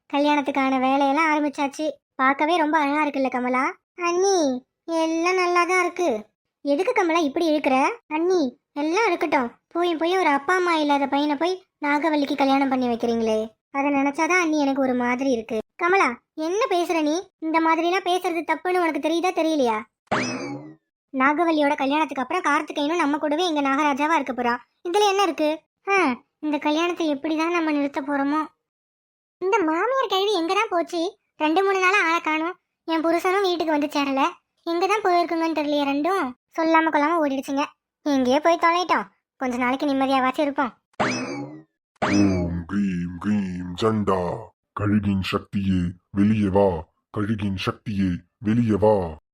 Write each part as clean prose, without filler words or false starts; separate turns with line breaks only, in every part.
கல்யாணத்துக்கான வேலையெல்லாம் ஆரம்பிச்சாச்சு. பார்க்கவே ரொம்ப அழகா இருக்குல்ல கமலா? அண்ணி, எல்லாம் நல்லா தான் இருக்கு. எதுக்கு கமலா இப்படி இருக்கிற? அண்ணி, எல்லாம் இருக்கட்டும். போய் ஒரு அப்பா அம்மா இல்லாத பையனை போய் நாகவல்லிக்கு கல்யாணம் பண்ணி வைக்கிறீங்களே, அதை நினைச்சாதான் அண்ணி எனக்கு ஒரு மாதிரி இருக்கு. கமலா, என்ன பேசுற நீ? இந்த மாதிரிலாம் பேசுறது தப்புன்னு உனக்கு தெரியுதா தெரியலையா? நாகவல்லியோட கல்யாணத்துக்கு அப்புறம் கார்த்திகேயனும் நம்ம கூடவே இங்க நாகராஜாவா இருக்க போறான். இதுல என்ன இருக்கு? இந்த கல்யாணத்தை எப்படிதான் நம்ம நிறுத்த போறோமோ? இந்த மாமியார் கேள்வி எங்கதான் போச்சு? 2-3 நாளா ஆளை காணும். என் புருஷனும் வீட்டுக்கு வந்து சேரல. எங்கதான் போயிருக்குங்கன்னு தெரியலையே. ரெண்டும் சொல்லாம கொள்ளாம ஓடிடுச்சுங்க. எங்கேயோ போய் தொலைட்டோம். கொஞ்ச நாளைக்கு நிம்மதியாவாச்சும் இருப்போம்.
ஓம் க்ரீம் க்ரீம் ஜண்டா. கழுகின் சக்தியே வெளியே வா. கழுகின் சக்தியே வெளியே வா.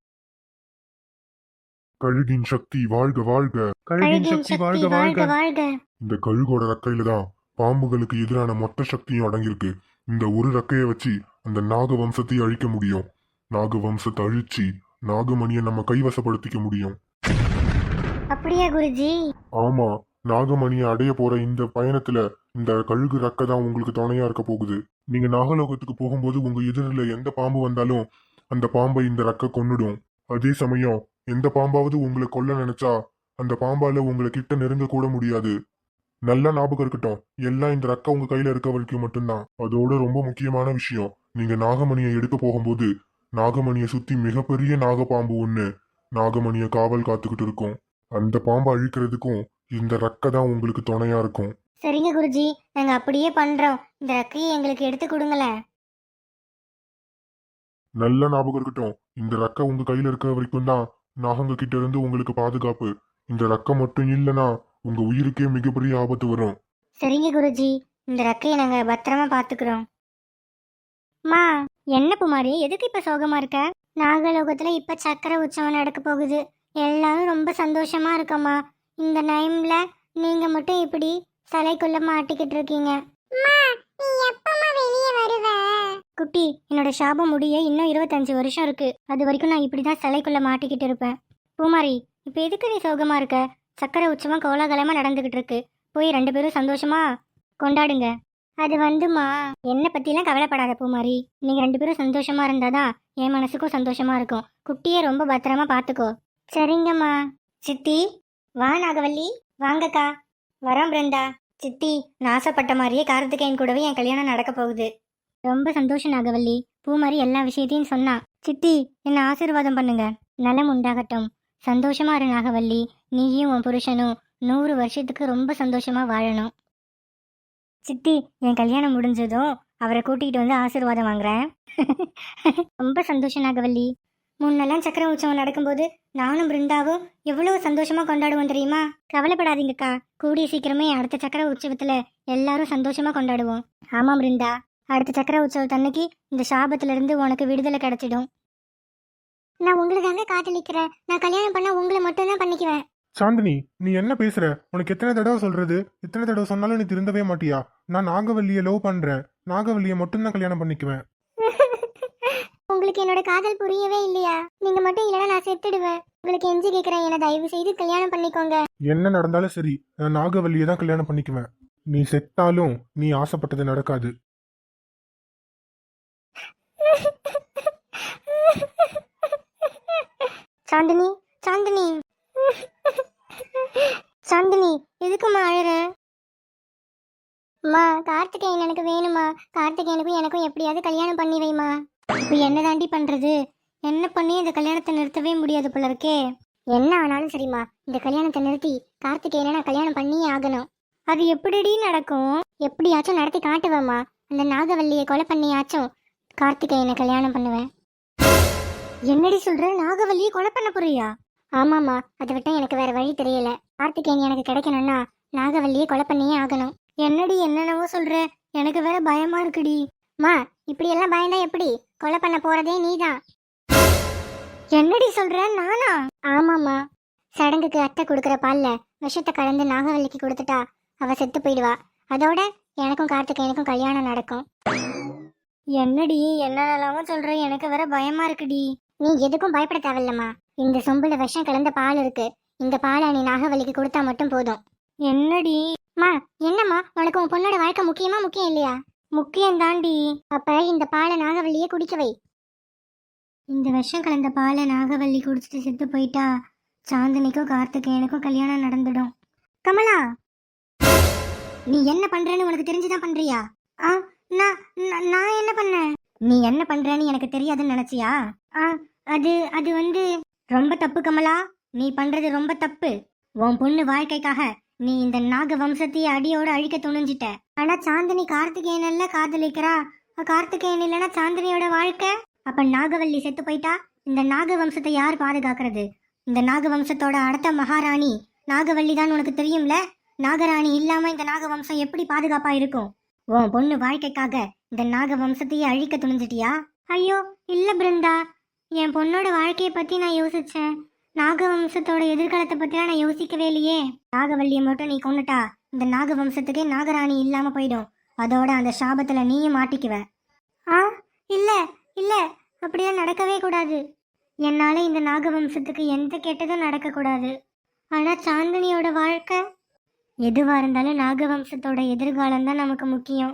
கழுகின் சக்தி வாழ்க வாழ்க.
கழுகின் சக்தி வாழ்க வாழ்க வாழ்க.
இந்த கழுகோட ரெக்கையில தான் பாம்புகளுக்கு எதிரான மொத்த சக்தியும் அடங்கியிருக்கு. இந்த ஒரு ரெக்கையை வச்சு அந்த நாக வம்சத்தை அழிக்க முடியும். நாக வம்சத்தை அழிச்சு நாகமணியை நம்ம கைவசப்படுத்திக்க முடியும்.
அப்படியா குருஜி?
ஆமா, நாகமணியை அடைய போற இந்த பயணத்துல இந்த கழுகு ரெக்கை தான் உங்களுக்கு துணையா இருக்க போகுது. நீங்க நாகலோகத்துக்கு போகும்போது உங்க எதிரில எந்த பாம்பு வந்தாலும் அந்த பாம்பை இந்த ரெக்கை கொன்னுடும். அதே சமயம் எந்த பாம்பாவது உங்களை கொல்ல நினைச்சா அந்த பாம்பால உங்களை கிட்ட நெருங்க கூட முடியாது. நல்லா ஞாபகம் இருக்கட்டும், எல்லாம் இந்த ரெக்கை உங்க கையில இருக்க வரைக்கும் மட்டும்தான். அதோட ரொம்ப முக்கியமான விஷயம், நீங்க நாகமணியை எடுக்க போகும்போது நாகமணியை சுத்தி மிகப்பெரிய நாகப்பாம்பு ஒண்ணு நாகமணியை காவல் காத்துக்கிட்டு இருக்கும். அந்த பாம்பை அழிக்கிறதுக்கும் இந்த ரெக்கை தான் உங்களுக்கு துணையா இருக்கும்.
சரிங்க குருஜி, நாங்க அப்படியே பண்றோம். இந்த ரெக்கையை எங்களுக்கு எடுத்து கொடுங்களேன்.
நல்ல ஞாபகம் இருக்கட்டும், இந்த ரெக்கை உங்க கையில இருக்க வரைக்கும் தான் நாகங்க கிட்ட இருந்து உங்களுக்கு பாதுகாப்பு. இந்த ரெக்கை மட்டும் இல்லைன்னா உங்க உயிருக்கே மிகப்பெரிய ஆபத்து வரும்.
சரிங்க குருஜி, இந்த ரெக்கையை நாங்க பத்திரமா பாத்துக்கிறோம். மா, என்ன குமாரி, எதுக்கு இப்ப சோகமா இருக்க? நாகலோகத்துல இப்ப சக்கர உற்சவம் நடக்க போகுது. எல்லாரும் ரொம்ப சந்தோஷமா இருக்கம்மா. இந்த டைம்ல நீங்க மட்டும் இப்படி சிலைக்குள்ள மாட்டிக்கிட்டு இருக்கீங்க. குட்டி, என்னோட சாபம் முடிய இன்னும் 25 வருஷம் இருக்கு. அது வரைக்கும் நான் இப்படிதான் சிலைக்குள்ள மாட்டிக்கிட்டு இருப்பேன். பூமாரி, இப்ப எதுக்கு நீ சோகமா இருக்க? சக்கர உற்சவம் கோலாகலமா நடந்துகிட்டு இருக்கு. போய் 2 பேரும் சந்தோஷமா கொண்டாடுங்க. அது வந்துமா, என்னை பத்திலாம் கவலைப்படாத பூமாரி. நீங்க 2 பேரும் சந்தோஷமா இருந்தாதான் என் மனசுக்கும் சந்தோஷமா இருக்கும். குட்டியை ரொம்ப பத்திரமா பாத்துக்கோ. சரிங்கம்மா. சித்தி, வா நாகவல்லி. வாங்கக்கா. வரோம் பிருந்தா. சித்தி, நான் ஆசைப்பட்ட மாதிரியே கார்த்திகேயன் கூடவே என் கல்யாணம் நடக்க போகுது. ரொம்ப சந்தோஷம் நாகவல்லி. பூமாரி எல்லா விஷயத்தையும் சொன்னா. சித்தி, என்ன ஆசீர்வாதம் பண்ணுங்க. நலம் உண்டாகட்டும். சந்தோஷமா இரு நாகவல்லி. நீயும் உன் புருஷனும் 100 வருஷத்துக்கு ரொம்ப சந்தோஷமா வாழணும். சித்தி, என் கல்யாணம் முடிஞ்சதும் அவரை கூட்டிகிட்டு வந்து ஆசீர்வாதம் வாங்குறேன். ரொம்ப சந்தோஷம் நாகவல்லி. முன்னெல்லாம் சக்கர உற்சவம் நடக்கும்போது நானும் பிருந்தாவும் எவ்வளவு சந்தோஷமா கொண்டாடுவோம் தெரியுமா? கவலைப்படாதீங்கக்கா, கூடிய சீக்கிரமே அடுத்த சக்கர உற்சவத்துல எல்லாரும் சந்தோஷமா கொண்டாடுவோம். ஆமாம் பிருந்தா, அடுத்த சக்கர உற்சவத்தன்னைக்கு இந்த சாபத்துல இருந்து உனக்கு விடுதலை கிடைச்சிடும். நான் உங்களுக்காக காதலிக்கிறேன். நான் கல்யாணம் பண்ணா உங்களை மட்டும் தான் பண்ணிக்குவேன்.
சாந்தினி, நீ என்ன பேசுற? உனக்கு எத்தனை தடவை சொல்றது? எத்தனை தடவை சொன்னாலும் நீ திருந்தவே மாட்டியா? நான் நாகவல்லியை லவ் பண்றேன். நாகவல்லியை மட்டும்தான் கல்யாணம் பண்ணிக்குவேன்.
உங்களுக்கு என்னோட காதல் புரியவே இல்லையா? நீங்க மட்டும் இல்லைன்னா நான் செத்துடுவேன். உங்களுக்கு எஞ்சி கேட்கிறேன், என்ன தயவு செய்து கல்யாணம் பண்ணிக்கோங்க.
என்ன நடந்தாலும் சரி, நான் நாகவல்லியை தான் கல்யாணம் பண்ணிக்குவேன். நீ செத்தாலும் நீ ஆசைப்பட்டது நடக்காது.
சாந்தினி, சாந்தினி, சாந்தினி, எதுக்குமா அழற? அம்மா, கார்த்திகேயன் எனக்கு வேணுமா. கார்த்திகேயனுக்கும் எனக்கும் எப்படியாவது கல்யாணம் பண்ணி வைமா. இப்போ என்ன தாண்டி பண்றது? என்ன பண்ணி இந்த கல்யாணத்தை நிறுத்தவே முடியாது போல இருக்கே. என்ன ஆனாலும் சரிம்மா, இந்த கல்யாணத்தை நிறுத்தி கார்த்திகேயனை நான் கல்யாணம் பண்ணியே ஆகணும். அது எப்படிடி நடக்கும்? எப்படியாச்சும் நடத்தி காட்டுவேம்மா. அந்த நாகவல்லியை கொலை பண்ணியாச்சும் கார்த்திகேயனை கல்யாணம் பண்ணுவேன். என்னடி சொல்ற? நாகவல்லியை கொலை பண்ண போறியா? ஆமாம்மா, அதை விட்டா எனக்கு வேற வழி தெரியல. கார்த்திகேயன் எனக்கு கிடைக்கணும்னா நாகவல்லியை கொலை பண்ணியே ஆகணும். என்னடி என்னென்னவோ சொல்ற? எனக்கு வேற பயமா இருக்குடி. மா, இப்படி எல்லாம் பயந்தா எப்படி? கொலை பண்ண போறதே நீதான். என்னடி சொல்ற? நானா? ஆமாம்மா, சடங்குக்கு அத்தை கொடுக்குற பால்ல விஷத்தை கலந்து நாகவல்லிக்கு கொடுத்துட்டா அவ செத்து போயிடுவா. அதோட எனக்கும் கார்த்திகேயனுக்கும் கல்யாணம் நடக்கும். என்னடி என்னென்னலாமோ சொல்ற? எனக்கு வேற பயமா இருக்குடி. நீ எதுக்கும் பயப்பட தேவையில்லம்மா. இந்த சொம்புல விஷம் கலந்த பால் இருக்கு. இந்த பாலை நீ நாகவல்லிக்கு கொடுத்தா மட்டும் போதும். என்னடி? மா, என்னம்மா, உனக்கு உன் பொண்ணோட வாழ்க்கை முக்கியமா முக்கியம் இல்லையா? முக்கியம் தாண்டி. அப்ப இந்த பாலை நாகவல்லியே குடிக்க வை. இந்த விஷம் கலந்த பாலை நாகவல்லி குடிச்சிட்டு செத்து போயிட்டா சாந்தினிக்கும் கார்த்திகேயனுக்கும் கல்யாணம் நடந்துடும். கமலா, நீ என்ன பண்றேன்னு உனக்கு தெரிஞ்சுதான் பண்றியா? ஆ, நான் என்ன பண்ணேன்? நீ என்ன பண்றேன்னு எனக்கு தெரியாதுன்னு நினைச்சியா? ஆ, அது அது வந்து ரொம்ப தப்பு கமலா. நீ பண்றது ரொம்ப தப்பு. உன் பொண்ணு வாழ்க்கைக்காக நீ இந்த நாக வம்சத்தையே அடியோட அழிக்க துணிஞ்சிட்ட. ஆனா சாந்தினி கார்த்திகேயனல்ல காதலிக்கிறா. கார்த்திகேயன் இல்லைன்னா சாந்தினியோட வாழ்க்கை. அப்ப நாகவல்லி செத்து போயிட்டா இந்த நாக வம்சத்தை யார் பாதுகாக்கிறது? இந்த நாக வம்சத்தோட அடுத்த மகாராணி நாகவல்லி தான், உனக்கு தெரியும்ல. நாகராணி இல்லாம இந்த நாக வம்சம் எப்படி பாதுகாப்பா இருக்கும்? உன் பொண்ணு வாழ்க்கைக்காக இந்த நாக வம்சத்தையே அழிக்க துணிஞ்சிட்டியா? ஐயோ இல்ல பிருந்தா, என் பொண்ணோட வாழ்க்கையை பத்தி நான் யோசிச்சேன். நாகவம்சத்தோட எதிர்காலத்தை பத்திலாம் நான் யோசிக்கவே இல்லையே. நாகவல்லியை மட்டும் நீ கொன்னுட்டா இந்த நாகவம்சத்துக்கே நாகராணி இல்லாம போயிடும். அதோட அந்த சாபத்துல நீயும் மாட்டிக்குவ. ஆ, இல்ல இல்ல, அப்படியெல்லாம் நடக்கவே கூடாது. என்னால இந்த நாகவம்சத்துக்கு எந்த கெட்டதும் நடக்க கூடாது. ஆனா சாந்தினியோட வாழ்க்கை, எதுவா இருந்தாலும் நாகவம்சத்தோட எதிர்காலம் தான் நமக்கு முக்கியம்.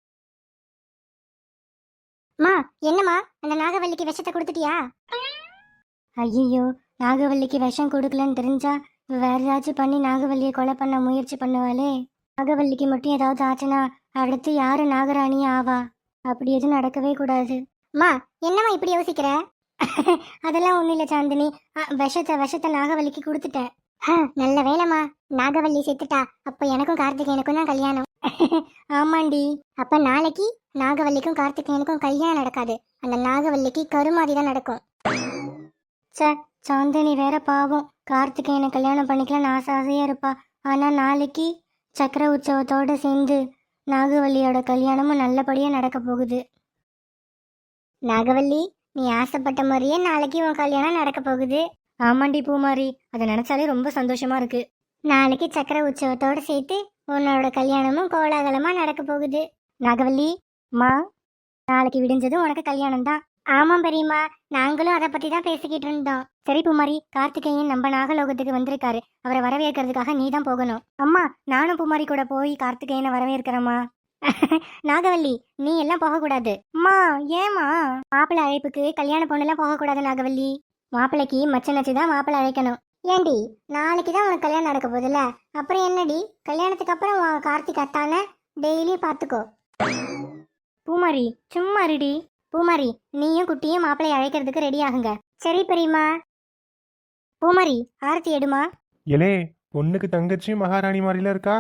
மா, என்னம்மா அந்த நாகவல்லிக்கு விஷத்தை கொடுத்துட்டியா? ஐயோ, நாகவல்லிக்கு விஷம் கொடுக்கலன்னு தெரிஞ்சா வேற ஏதாச்சும் பண்ணி நாகவல்லியை கொலை பண்ண முயற்சி பண்ணுவாளே. நாகவல்லிக்கு மட்டும் ஏதாவது ஆச்சுன்னா அடுத்து யாரு நாகராணியே ஆவா? அப்படி எதுவும் நடக்கவே கூடாது. மா, என்னம்மா இப்படி யோசிக்கிற? அதெல்லாம் ஒண்ணும் இல்ல சாந்தினி. விஷத்தை நாகவல்லிக்கு கொடுத்துட்டேன். நல்ல வேலைம்மா, நாகவல்லி செத்துட்டா. அப்ப எனக்கும் கார்த்திகேயனுக்கும் தான் கல்யாணம். ஆமாண்டி. அப்ப நாளைக்கு நாகவல்லிக்கும் கார்த்திகேயனுக்கும் கல்யாணம் நடக்காது. அந்த நாகவல்லிக்கு கருமாதி தான் நடக்கும். சாந்தினி வேற பாவம், கார்த்திகேயனை கல்யாணம் பண்ணிக்கலாம் ஆசையா இருப்பா. ஆனா நாளைக்கு சக்கர உற்சவத்தோட சேர்ந்து நாகவல்லியோட கல்யாணமும் நல்லபடியா நடக்க போகுது. நாகவல்லி, நீ ஆசைப்பட்ட மாதிரியே நாளைக்கு உன் கல்யாணம் நடக்க போகுது. ஆமாண்டி பூமாரி, அதை நினைச்சாலே ரொம்ப சந்தோஷமா இருக்கு. நாளைக்கு சக்கர உற்சவத்தோட சேர்த்து உன்னோட கல்யாணமும் கோலாகலமா நடக்க போகுது. நாகவல்லி மா, நாளைக்கு விடிஞ்சதும் உனக்கு கல்யாணம் தான். ஆமாம் பெரியம்மா, நாங்களும் அதை பத்தி தான் பேசிக்கிட்டு இருந்தோம். சரி பூமாரி, கார்த்திகேயன் நம்ம நாகலோகத்துக்கு வந்திருக்காரு. அவரை வரவேற்கிறதுக்காக நீ தான் போகணும். அம்மா, நானும் பூமாரி கூட போய் கார்த்திகேயனை வரவேற்கிறேம்மா. நாகவல்லி, நீ எல்லாம் போகக்கூடாது. அம்மா, ஏமா? மாப்பிள்ளை அழைப்புக்கு கல்யாண பொண்ணெல்லாம் போகக்கூடாது நாகவல்லி. மாப்பிள்ளைக்கு மச்சனச்சு தான் மாப்பிள்ளை அழைக்கணும். ஏண்டி, நாளைக்கு தான் உனக்கு கல்யாணம் நடக்க போகுதுல்ல, அப்புறம் என்னடி? கல்யாணத்துக்கு அப்புறம் கார்த்திக் அத்தான டெய்லியும் பார்த்துக்கோ. பூமாரி சும்மா இருடி. பூமாரி, நீயும் குட்டியும் மாப்பிள்ளை அழைக்கிறதுக்கு ரெடி ஆகுங்க. சரி பெரியம்மா. பூமாரி, ஆரத்தி எடுமா.
எலே, பொண்ணுக்கு தங்கச்சி மகாராணி மாதிரில இருக்கா?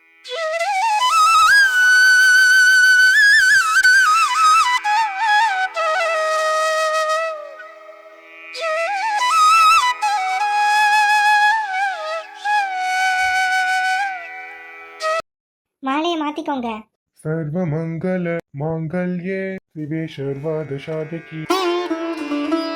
மாலையை மாத்திக்கோங்க.
சர்வ மங்கள மாங்கல்யே சிவே சர்வாத சாதகி.